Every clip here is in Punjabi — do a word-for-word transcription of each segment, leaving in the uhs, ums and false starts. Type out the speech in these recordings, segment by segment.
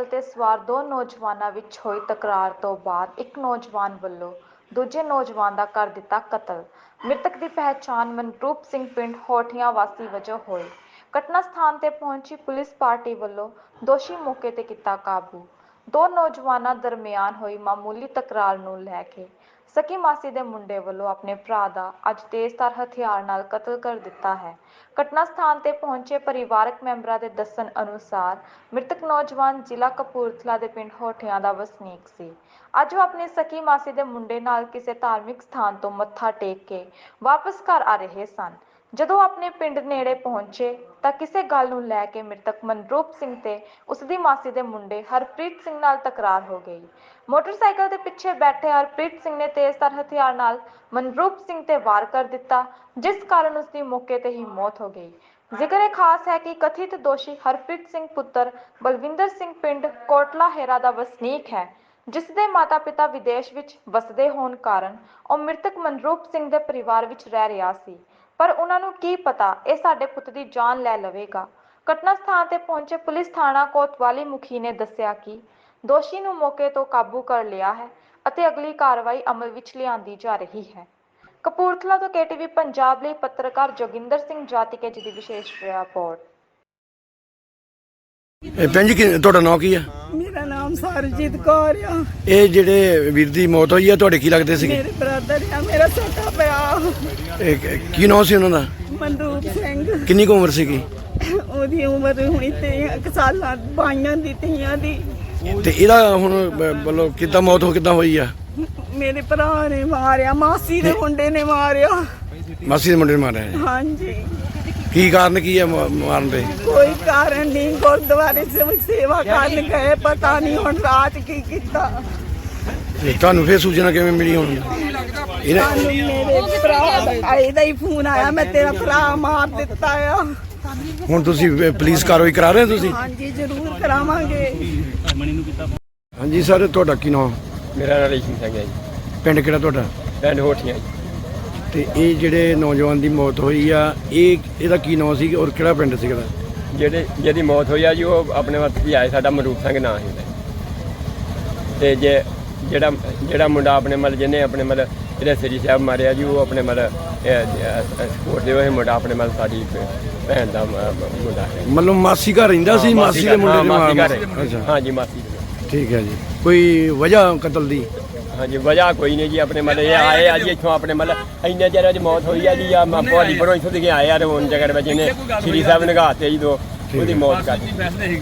ਤੇ ਸਵਾਰ ਦੋ ਨੌਜਵਾਨਾਂ ਵਿੱਚ ਹੋਈ ਤਕਰਾਰ ਤੋਂ ਬਾਅਦ ਇੱਕ ਨੌਜਵਾਨ ਵੱਲੋਂ ਦੂਜੇ ਨੌਜਵਾਨ ਦਾ ਕਰ ਦਿੱਤਾ ਕਤਲ। ਮ੍ਰਿਤਕ ਦੀ ਪਹਿਚਾਣ ਮਨਰੂਪ ਸਿੰਘ ਪਿੰਡ ਹੋਠੀਆਂ ਵਾਸੀ ਵਜੋਂ ਹੋਈ। ਘਟਨਾ ਸਥਾਨ ਤੇ ਪਹੁੰਚੀ ਪੁਲਿਸ ਪਾਰਟੀ ਵੱਲੋਂ ਦੋਸ਼ੀ ਮੌਕੇ ਤੇ ਕੀਤਾ ਕਾਬੂ। ਦੋ ਨੌਜਵਾਨਾਂ ਦਰਮਿਆਨ ਹੋਈ ਮਾਮੂਲੀ ਤਕਰਾਰ ਨੂੰ ਲੈ ਕੇ ਸਕੀ ਮਾਸੀ ਦੇ ਮੁੰਡੇ ਵੱਲੋਂ ਆਪਣੇ ਭਰਾ ਦਾ ਅੱਜ ਤੇਜ਼ਧਾਰ ਹਥਿਆਰ ਨਾਲ ਕਤਲ ਕਰ ਦਿੱਤਾ ਹੈ। ਘਟਨਾ ਸਥਾਨ ਤੇ ਪਹੁੰਚੇ ਪਰਿਵਾਰਕ ਮੈਂਬਰਾਂ ਦੇ ਦੱਸਣ ਅਨੁਸਾਰ ਮ੍ਰਿਤਕ ਨੌਜਵਾਨ ਜ਼ਿਲ੍ਹਾ ਕਪੂਰਥਲਾ ਦੇ ਪਿੰਡ ਹੋਠੀਆਂ ਦਾ ਵਸਨੀਕ ਸੀ। ਅੱਜ ਉਹ ਆਪਣੀ ਸਕੀ ਮਾਸੀ ਦੇ ਮੁੰਡੇ ਨਾਲ ਕਿਸੇ ਧਾਰਮਿਕ ਸਥਾਨ ਤੋਂ ਮੱਥਾ ਟੇਕ ਕੇ ਵਾਪਸ ਘਰ ਆ ਰਹੇ ਸਨ। ਜਦੋਂ ਆਪਣੇ ਪਿੰਡ ਨੇੜੇ ਪਹੁੰਚੇ ਤਾਂ ਕਿਸੇ ਗੱਲ ਨੂੰ ਲੈ ਕੇ ਮ੍ਰਿਤਕ ਮਨਰੂਪ ਸਿੰਘ ਤੇ ਉਸ ਦੀ ਮਾਸੀ ਦੇ ਮੁੰਡੇ ਹਰਪ੍ਰੀਤ ਸਿੰਘ ਨਾਲ ਤਕਰਾਰ ਹੋ ਗਈ। ਮੋਟਰਸਾਈਕਲ ਦੇ ਪਿੱਛੇ ਬੈਠੇ ਹਰਪ੍ਰੀਤ ਸਿੰਘ ਨੇ ਤੇਜ਼ਧਾਰ ਹਥਿਆਰ ਨਾਲ ਮਨਰੂਪ ਸਿੰਘ ਤੇ ਵਾਰ ਕਰ ਦਿੱਤਾ, ਜਿਸ ਕਾਰਨ ਉਸ ਦੀ ਮੌਕੇ ਤੇ ਹੀ ਮੌਤ ਹੋ ਗਈ। ਜ਼ਿਕਰ ਖਾਸ ਹੈ ਕਿ ਕਥਿਤ ਦੋਸ਼ੀ ਹਰਪ੍ਰੀਤ ਸਿੰਘ ਪੁੱਤਰ ਬਲਵਿੰਦਰ ਸਿੰਘ ਪਿੰਡ ਕੋਟਲਾ ਹੇਰਾ ਦਾ ਵਸਨੀਕ ਹੈ, ਜਿਸ ਦੇ ਮਾਤਾ-ਪਿਤਾ ਵਿਦੇਸ਼ ਵਿੱਚ ਵਸਦੇ ਹੋਣ ਕਾਰਨ ਉਹ ਮ੍ਰਿਤਕ ਮਨਰੂਪ ਸਿੰਘ ਦੇ ਪਰਿਵਾਰ ਵਿੱਚ ਰਹਿ ਰਿਹਾ ਸੀ। ਪਰ ਉਹਨਾਂ ਨੂੰ ਕੀ ਪਤਾ ਇਹ ਸਾਡੇ ਪੁੱਤ ਦੀ ਜਾਨ ਲੈ ਲਵੇਗਾ। ਘਟਨਾ ਸਥਾਨ ਤੇ ਪਹੁੰਚੇ ਪੁਲਿਸ ਥਾਣਾ ਕੋਤਵਾਲੀ ਮੁਖੀ ਨੇ ਦੱਸਿਆ ਕਿ ਦੋਸ਼ੀ ਨੂੰ ਮੌਕੇ ਤੋਂ ਕਾਬੂ ਕਰ ਲਿਆ ਹੈ ਅਤੇ ਅਗਲੀ ਕਾਰਵਾਈ ਅਮਲ ਵਿੱਚ ਲਿਆਂਦੀ ਜਾ ਰਹੀ ਹੈ। ਕਪੂਰਥਲਾ ਤੋਂ ਕੇਟੀਵੀ ਪੰਜਾਬ ਲਈ ਪੱਤਰਕਾਰ ਜੋਗਿੰਦਰ ਸਿੰਘ ਜਾਤੀਕੇ ਜੀ ਦੀ ਵਿਸ਼ੇਸ਼ ਰਿਪੋਰਟ। ਭੈਣ ਜੀ ਤੁਹਾਡਾ ਨਾਮ ਕੀ ਆ? ਮੇਰਾ ਨਾਮ ਸਰਜੀਤ ਕੌਰ ਆ। ਇਹ ਜਿਹੜੇ ਵੀਰ ਦੀ ਮੌਤ ਹੋਈ ਆ ਤੁਹਾਡੇ ਕੀ ਲੱਗਦੇ ਸੀਗੇ? ਮੇਰੇ ਬ੍ਰਦਰ ਆ, ਮੇਰਾ ਛੋਟਾ ਭਰਾ। ਇਹ ਕੀ ਨਾਮ ਸੀ ਉਹਨਾਂ ਦਾ? ਮਨਰੂਪ ਸਿੰਘ। ਕਿੰਨੀ ਕੁ ਉਮਰ ਸੀਗੀ? ਉਹਦੀ ਉਮਰ ਹੋਣੀ ਤੇ ਇੱਕ ਸਾਲਾਂ ਬਾਈਆਂ ਦੀ ਤੀਆਂ ਦੀ। ਤੇ ਇਹਦਾ ਹੁਣ ਮਤਲਬ ਕਿੱਦਾਂ ਮੌਤ ਹੋ ਕਿੱਦਾਂ ਹੋਈ ਆ? ਮੇਰੇ ਭਰਾ ਨੇ ਮਾਰਿਆ, ਮਾਸੀ ਦੇ ਮੁੰਡੇ ਨੇ ਮਾਰਿਆ। ਮਾਸੀ ਦੇ ਮੁੰਡੇ ਨੇ ਮਾਰਿਆ? ਹਾਂਜੀ। ਕੀ ਕਾਰਨ ਕੀ ਆ ਮਾਰਨ ਦੇ? ਕੋਈ ਕਾਰਨ ਨਹੀਂ, ਗੁਰਦੁਆਰੇ ਸੇ ਸੇਵਾ ਕਰਨ ਗਏ, ਪਤਾ ਨਹੀਂ ਹੁਣ ਰਾਤ ਕੀ ਕੀਤਾ। ਤੁਹਾਨੂੰ ਫੇਰ ਸੂਚਨਾ ਕਿਵੇਂ ਮਿਲੀ? ਹੁਣ ਸਾਨੂੰ ਮੇਰੇ ਭਰਾ ਦਾ ਇਹਦਾ ਹੀ ਫੋਨ ਆਇਆ, ਮੈਂ ਤੇਰਾ ਭਰਾ ਮਾਰ ਦਿੱਤਾ ਆ। ਹੁਣ ਤੁਸੀਂ ਪੁਲਿਸ ਕਾਰਵਾਈ ਕਰਾ ਰਹੇ ਹੋ ਤੁਸੀਂ? ਹਾਂਜੀ ਜ਼ਰੂਰ ਕਰਾਵਾਂਗੇ। ਹਾਂਜੀ ਸਰ, ਤੁਹਾਡਾ ਕੀ ਨਾਮ? ਮੇਰਾ ਨਾਮ ਰੇਸ਼ਮ ਸਿੰਘ ਹੈ ਜੀ। ਪਿੰਡ ਕਿਹੜਾ ਤੁਹਾਡਾ? ਪਿੰਡ ਹੋਠੀਆਂ ਜੀ। ਤੇ ਇਹ ਜਿਹੜੇ ਨੌਜਵਾਨ ਦੀ ਮੌਤ ਹੋਈ ਆ, ਇਹ ਇਹਦਾ ਕੀ ਨਾਮ ਸੀ ਔਰ ਕਿਹੜਾ ਪਿੰਡ ਸੀ ਇਹਦਾ? ਜਿਹੜੇ ਜਿਹਦੀ ਮੌਤ ਹੋਈ ਆ ਜੀ ਉਹ ਆਪਣੇ ਵੱਤ ਵੀ ਆਏ, ਸਾਡਾ ਮਨਰੂਪ ਸਿੰਘ ਨਾਂ ਸੀ। ਤੇ ਜੇ ਜਿਹੜਾ ਜਿਹੜਾ ਮੁੰਡਾ ਆਪਣੇ ਮਤਲਬ ਜਿਹਨੇ ਆਪਣੇ ਮਤਲਬ ਜਿਹੜੇ ਸ੍ਰੀ ਸਾਹਿਬ ਮਾਰਿਆ ਜੀ, ਉਹ ਆਪਣੇ ਮਤਲਬ ਸਪੋਰਟ ਦੇ ਹੋਏ ਮੁੰਡਾ ਆਪਣੇ ਮਤਲਬ ਸਾਡੀ ਭੈਣ ਦਾ ਮੁੰਡਾ ਹੈ। ਮਤਲਬ ਮਾਸੀ ਘਰ ਰਹਿੰਦਾ ਸੀ? ਮਾਸੀ ਦੇ ਮੁੰਡੇ ਦੇ? ਅੱਛਾ, ਹਾਂਜੀ ਮਾਸੀ। ਠੀਕ ਹੈ ਜੀ। ਕੋਈ ਵਜ੍ਹਾ ਕਤਲ ਦੀ? ਹਾਂਜੀ ਵਜ੍ਹਾ ਕੋਈ ਨਹੀਂ ਜੀ, ਆਪਣੇ ਮਤਲਬ ਇਹ ਆਏ ਆ ਜੀ ਇੱਥੋਂ ਆਪਣੇ ਮਤਲਬ ਇੰਨੇ ਚਿਰ ਦੀ ਮੌਤ ਹੋਈ ਆ ਜੀ। ਆ ਭੋਲੀ ਪਰੋਂ ਇੱਥੋਂ ਦੇ ਆਏ ਆ ਰੋਣ ਜਗਰ ਵਿੱਚ ਇਹਨੇ ਸ੍ਰੀ ਸਾਹਿਬ ਨਗਾਤੇ ਜੀ, ਦੋ ਉਹਦੀ ਮੌਤ ਕਰ ਦਿੱਤੀ।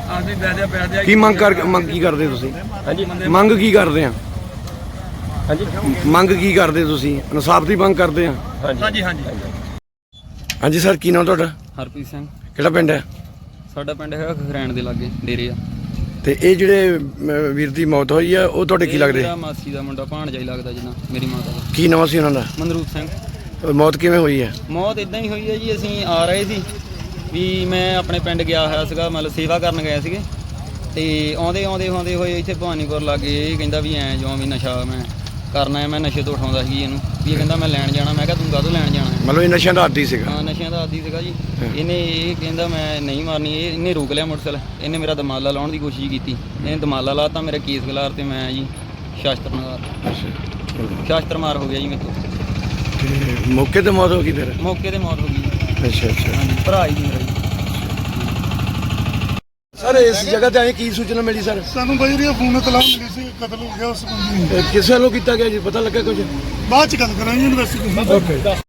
ਕੀ ਮੰਗ ਕਰ ਮੰਗ ਕੀ ਕਰਦੇ ਤੁਸੀਂ? ਹਾਂਜੀ ਮੰਗ ਕੀ ਕਰਦੇ ਆ? ਹਾਂਜੀ ਮੰਗ ਕੀ ਕਰਦੇ ਤੁਸੀਂ? ਇਨਸਾਫ ਦੀ ਮੰਗ ਕਰਦੇ ਆ? ਹਾਂਜੀ ਹਾਂਜੀ ਹਾਂਜੀ ਸਰ, ਕੀ ਨਾਮ ਤੁਹਾਡਾ? ਹਰਪ੍ਰੀਤ ਸਿੰਘ। ਕਿਹੜਾ ਪਿੰਡ ਹੈ? ਸਾਡਾ ਪਿੰਡ ਹੈਗਾ ਖਰੈਣ ਦੇ ਲਾਗੇ ਡੇਰੇ ਆ। ਤੇ ਇਹ ਜਿਹੜੇ ਅਹ, ਵੀਰ ਦੀ ਮੌਤ ਹੋਈ ਆ ਉਹ ਤੁਹਾਡੇ ਕੀ ਲੱਗਦੇ? ਮੇਰਾ ਮਾਸੀ ਦਾ ਮੁੰਡਾ ਭਾਣਜਾ ਹੀ ਲੱਗਦਾ ਜਿੰਨਾ ਮੇਰੀ ਮਾਤਾ ਦਾ। ਕੀ ਨਾਮ ਸੀ ਉਹਨਾਂ ਦਾ? ਮਨਰੂਪ ਸਿੰਘ। ਅਹ, ਮੌਤ ਕਿਵੇਂ ਹੋਈ ਹੈ? ਮੌਤ ਇਦਾਂ ਹੀ ਹੋਈ ਹੈ ਜੀ, ਅਸੀਂ ਆ ਰਹੇ ਸੀ ਵੀ ਮੈਂ ਆਪਣੇ ਪਿੰਡ ਗਿਆ ਹੋਇਆ ਸੀਗਾ, ਮਤਲਬ ਸੇਵਾ ਕਰਨ ਗਏ ਸੀਗੇ। ਤੇ ਆਉਂਦੇ ਆਉਂਦੇ ਆਉਂਦੇ ਹੋਏ ਇੱਥੇ ਭਵਾਨੀਪੁਰ ਲਾਗੇ ਇਹ ਕਹਿੰਦਾ ਵੀ ਐਂ ਜਿਉਂ ਵੀ ਨਸ਼ਾ ਮੈਂ ਕਰਨਾ ਹੈ। ਮੈਂ ਨਸ਼ੇ ਤੋਂ ਉਠਾਉਂਦਾ ਸੀ ਇਹਨੂੰ ਵੀ ਇਹ ਕਹਿੰਦਾ ਮੈਂ ਲੈਣ ਜਾਣਾ। ਮੈਂ ਕਿਹਾ ਤੂੰ ਕਾਹਤੋਂ ਲੈਣ ਜਾਣਾ? ਮਤਲਬ ਇਹ ਨਸ਼ਿਆਂ ਦਾ ਆਦੀ ਸੀਗਾ? ਹਾਂ ਨਸ਼ਿਆਂ ਦਾ ਆਦੀ ਸੀਗਾ ਜੀ। ਇਹਨੇ ਇਹ ਕਹਿੰਦਾ ਮੈਂ ਨਹੀਂ ਮਾਰਨੀ, ਇਹ ਇਹਨੇ ਰੋਕ ਲਿਆ ਮੋਟਰਸਾਈਕਲ। ਇਹਨੇ ਮੇਰਾ ਦਮਾਲਾ ਲਾਉਣ ਦੀ ਕੋਸ਼ਿਸ਼ ਕੀਤੀ, ਇਹਨੇ ਦਮਾਲਾ ਲਾਤਾ, ਮੇਰਾ ਕੇਸ ਗਲਾਰ ਤੇ ਮੈਂ ਜੀ ਸ਼ਾਸਤਰ ਮਾਰ ਸ਼ਾਸਤਰ ਮਾਰ ਹੋ ਗਿਆ ਜੀ ਮੇਰੇ ਤੋਂ। ਤੇ ਮੌਕੇ ਤੇ ਮੌਤ ਹੋ ਗਈ ਫਿਰ? ਮੌਕੇ ਤੇ ਮੌਤ ਹੋ ਗਈ ਜੀ। ਅੱਛਾ ਅੱਛਾ। ਹਾਂਜੀ ਭਰਾ ਹੀ ਮੇਰਾ ਜੀ। ਸਰ ਇਸ ਜਗ੍ਹਾ ਤੇ ਆਏ ਕੀ ਸੂਚਨਾ ਮਿਲੀ ਸਰ? ਸਾਨੂੰ ਬਜਰੀਆ ਫੋਨ ਤਲਾਹ ਮਿਲੀ ਸੀ, ਕਤਲ ਹੋ ਗਿਆ ਉਸ ਬੰਦੇ ਨੂੰ। ਇਹ ਕਿਸ ਵੱਲੋਂ ਕੀਤਾ ਗਿਆ ਜੀ, ਪਤਾ ਲੱਗਾ ਕੁਝ? ਬਾਅਦ ਚ ਗੱਲ ਕਰਾਂਗੇ ਇਨਵੈਸਟੀਗੇਸ਼ਨ। ਓਕੇ।